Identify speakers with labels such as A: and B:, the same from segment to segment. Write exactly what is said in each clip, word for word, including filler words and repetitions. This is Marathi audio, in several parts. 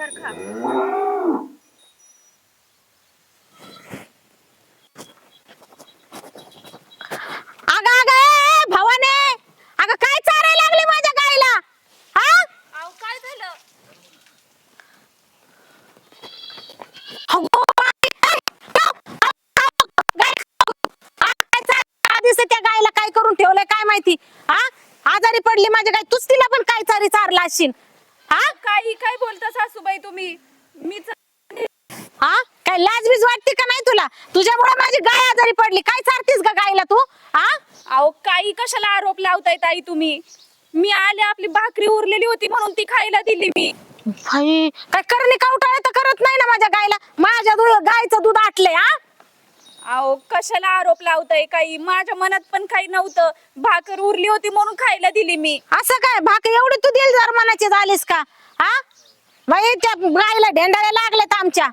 A: भाकर खा.
B: अगं अगं भवाने, अगं काय चारायला लागली माझ्या गाईला? हा
A: अहो काय झालं?
B: अगो बाई, गाय काय चार- आधीच त्या गायला काय करून ठेवलंय काय माहिती? हा आजारी पडली माझ्या गाय, तूच तिला पण काय चारी चारला असशील. हा
A: काही काय बोलता सासूबाई तुम्ही? मीच
B: हा काय लाज बीज वाटते का नाही तुला? तुझ्यामुळे माझी गाय आजारी पडली. काय चारतीस ग गायला तू? हा
A: अहो काही कशाला आरोप लावताय ताई तुम्ही? मी आले आपली भाकरी उरलेली होती म्हणून ती खायला दिली मी.
B: भाई काय करणे कावटाळे तर करत नाही ना माझ्या गायला. माझ्या दूध गायचं दूध आटलंय. हा
A: अहो कशाला आरोप लावताय? काही माझ्या मनात पण काही नव्हतं. भाकर उरली होती म्हणून खायला दिली मी.
B: असं काय भाक एवढी तू दिल जरमानाची झालीस का? हा बाई त्या गायला ढेंडाळ्या लागल्यात आमच्या.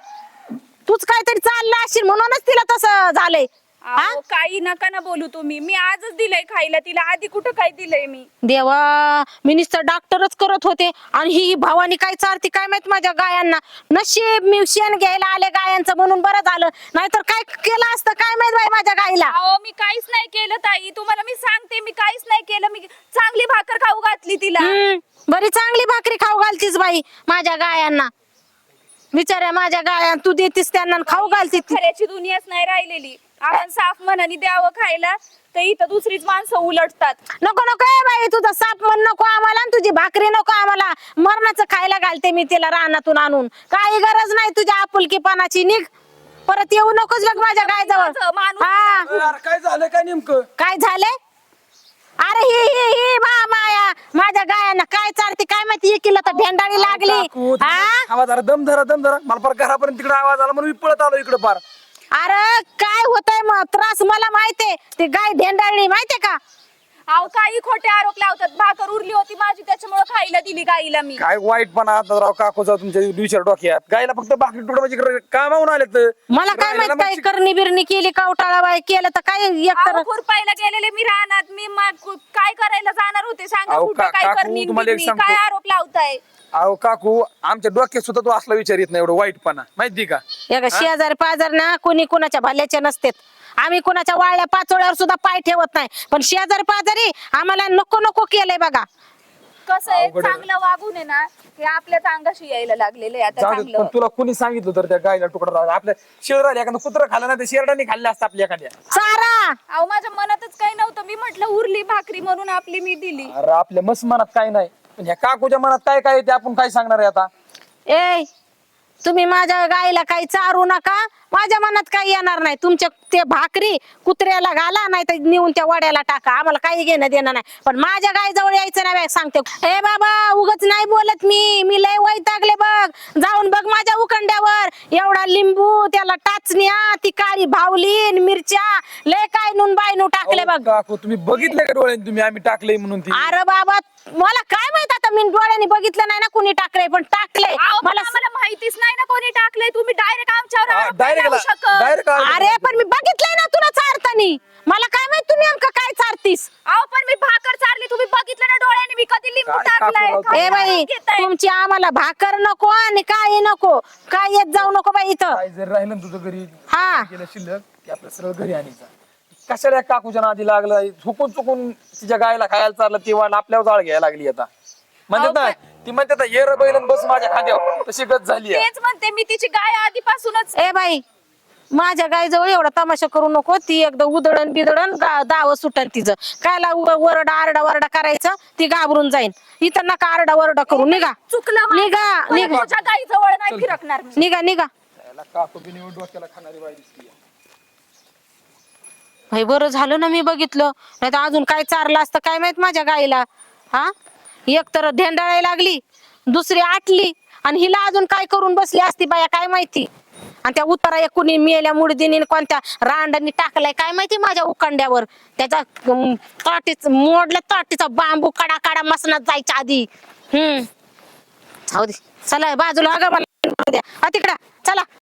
B: तूच काहीतरी चालला असशील म्हणूनच तिला तसं झालंय. हा
A: अहो काही नका ना बोलू तुम्ही. मी आजच दिलंय खायला तिला. आधी कुठं काय दिलंय मी?
B: देवा, मी नुसतं डॉक्टरच करत होते आणि ही भावानी काय चारती काय माहित माझ्या गायांना. नशीब मी शेण घ्यायला आले गायांचं म्हणून बरं झालं, नाहीतर काय केलं असतं काय माहित बाई माझ्या गाईला.
A: अहो मी काहीच नाही केलं ताई. तुम्हाला मी सांगते मी काहीच नाही केलं. मी चांगली भाकर खाऊ घातली तिला.
B: हम्म, बरी चांगली भाकरी खाऊ घालतीस बाई माझ्या गायांना. बिचाऱ्या माझ्या गाया तू देतीस त्यांना आणि खाऊ घालतीस.
A: खऱ्याची दुनियाच नाही राहिलेली. आपण साफ मनाने द्यावं खायला तर इथं दुसरीच माणसं उलटतात.
B: नको नको ए बाई, तुझा साप मन नको आम्हाला आणि तुझी भाकरी नको आम्हाला. मरणाचं खायला घालते मी तिला रानातून आणून. काही गरज नाही तुझ्या आपुलकीपणाची. निघ, परत येऊ नकोस बघ माझ्या गायजवळ.
A: माणूस
B: हा
C: अरे काय झालं काय नेमकं?
B: काय झालंय? अरे ही ही ही मा माया माझ्या गायांना काय चालते काय माहिती. एकीला तर भेंडाळी लागली.
C: काकू,
B: हा
C: आवाज आला, दम धरा दम धरा. मला फार घरापर्यंत तिकडे आवाज आला म्हणून मी पळत आलो इकडे पार.
B: अरे काय होतंय मग त्रास मला माहितीये. ती गाय भेंडाळली माहितीये का?
A: अहो काही खोटे आरोप लावतात. भाकर उरली होती माझी त्याच्यामुळे खायला दिली गाईला मी.
C: काय वाईटपणा आता राव काकूचा तुमच्या विचार डोक्यात. गायला फक्त भाकरी तुडवायची कामावून आले तर
B: मला काय माहित काय करणी बिरणी केली कावटाळा बाई केलं तर काय एकतर.
A: अहो खुरपायला गेलेले मी रानात. मी मग काय करायला जाणार होते सांगा?
C: अहो,
A: कुठं
C: का-
A: काय
C: काकू,
A: करणी
C: तुम्हाला एक
A: बिरणी?
C: सांगतो.
A: काय आरोप लावताय?
C: अहो काकू, आमच्या डोक्यात सुद्धा तो असला विचार येत नाही एवढं वाईटपणा, माहिती का?
B: एका शेजार पाजार ना कोणी कुणाच्या भल्याचे नसतेत. आम्ही कुणाच्या वाळल्या पाचोळ्यावर सुद्धा पाय ठेवत नाही, पण शेजार पाजारी आम्हाला नको नको केलंय बघा.
A: कसं आहे
C: अवघड आहे.
A: चांगलं वागून आहे ना हे आपल्याच अंगाशी यायला लागलेलं आहे आता
C: जाऊ दे,
A: चांगलं.
C: पण तुला कोणी सांगितलं तर त्या गायला तुकडा राहिला? आपल्या शेरडाने एखादं कुत्र खाल्लं ना, ते शेरडाने खाल्लं असतं आपल्या एखाद्या.
B: चारा
A: अहो माझ्या मनातच काही नव्हतं. मी म्हटलं उरली भाकरी म्हणून आपली मी दिली.
C: अरे आपल्या मस्त मनात काय नाही, पण ह्या काकूच्या मनात काय काय ते आपण काय सांगणार आहे आता?
B: ए तुम्ही माझ्या गाईला काही चारू नका. माझ्या मनात काही येणार नाही. तुमच्या ते भाकरी कुत्र्याला घाला नाही तर नेऊन त्या वड्याला टाका. आम्हाला काही घेणं देणं नाही, पण माझ्या गायजवळ यायचं नाही सांगते. ए बाबा उगच नाही बोलत मी. मी लय वैतागले बघ. जाऊन बघ माझ्या उखंड्यावर एवढा लिंबू, त्याला टाचण्या, ती काळी भावली मिरच्या, लय काय नून बायनू टाकले बघ.
C: काकू तुम्ही बघितलं का डोळ्याने तुम्ही आम्ही टाकलंय म्हणून ती?
B: अरे बाबा मला काय माहित आता. मी डोळ्याने बघितलं नाही ना कुणी टाकलंय, पण टाकलंय
A: अहो, पण
B: मला.
A: आम्हाला माहितीच नाही ना कोणी टाकलंय. तुम्ही डायरेक्ट आमच्यावर
C: हा,
A: आरोप नाही
C: direct
A: लावू
C: ला-
A: शकत.
C: direct आरोप
B: अरे पण मी बघितलंय ना तुला चारतानी. मला काय माहित तुम्ही नेमकं काय चारतीस.
A: अहो पण मी भाकर चारली तुम्ही बघितलं ना डोळ्याने. मी कधी लिंबू
C: काय
A: टाकलाय?
C: काकू
A: काय
B: ए बाई
A: आरोप घेताय?
B: तुमची आम्हाला भाकर नको आणि काय नको. काय येत जाऊ नको बाई इथं.
C: काय जर राहिलं ना तुझं घरी
B: हा.
C: गेलं शिल्लक की आपलं सरळ घरी आणायचं. कशाला या काकूच्या नादी लागलं? चुकून चुकून तिच्या गायला खायला चाललं ती वाट आपल्यावर जाळ घ्यायला लागली आता. म्हणतात ना ती म्हणतात ना, ये रे बैल आणि बस माझ्या खांद्यावर, तशी गत झाली आहे.
A: तेच म्हणते मी. तिची गाय आधीपासूनच
B: ए बाई माझ्या गायजवळ एवढा तमाशा करू नको. ती एकदा उदळण बिदळण दाव सुटन तिचं. कायला उ- वरडा आरडा वरडा करायचं. ती घाबरून जाईन. इथं नका आरडा वरडा करू. निघा
A: चुकलं माझं.
B: निघा
A: परत
B: निघा
A: तुझ्या गाई जवळ नाही फिरकणार मी.
B: निघा निघा.
C: त्याला काकू बिनी डोक्याला खाणारी बाई दिसली.
B: भाई बरं झालं ना मी बघितलं, नाही तर अजून काय चारलं असतं काय माहित माझ्या गाईला. हा एक तर ढेंडाळायला लागली, दुसरी आटली, आणि हिला अजून काय करून बसली असती बाया काय माहिती. आणि त्या उतारा एक कुणी मेल्या मुडदीने कोणत्या रांडानी टाकलाय काय माहिती माझ्या उखंड्यावर. त्याचा अं, ताटीच मोडल्या ताटीचा बांबू काडा काडा मसनात जायच्या आधी. हम्म जाऊ दे चला बाजूला. अगं मला द्या तिकडा चला.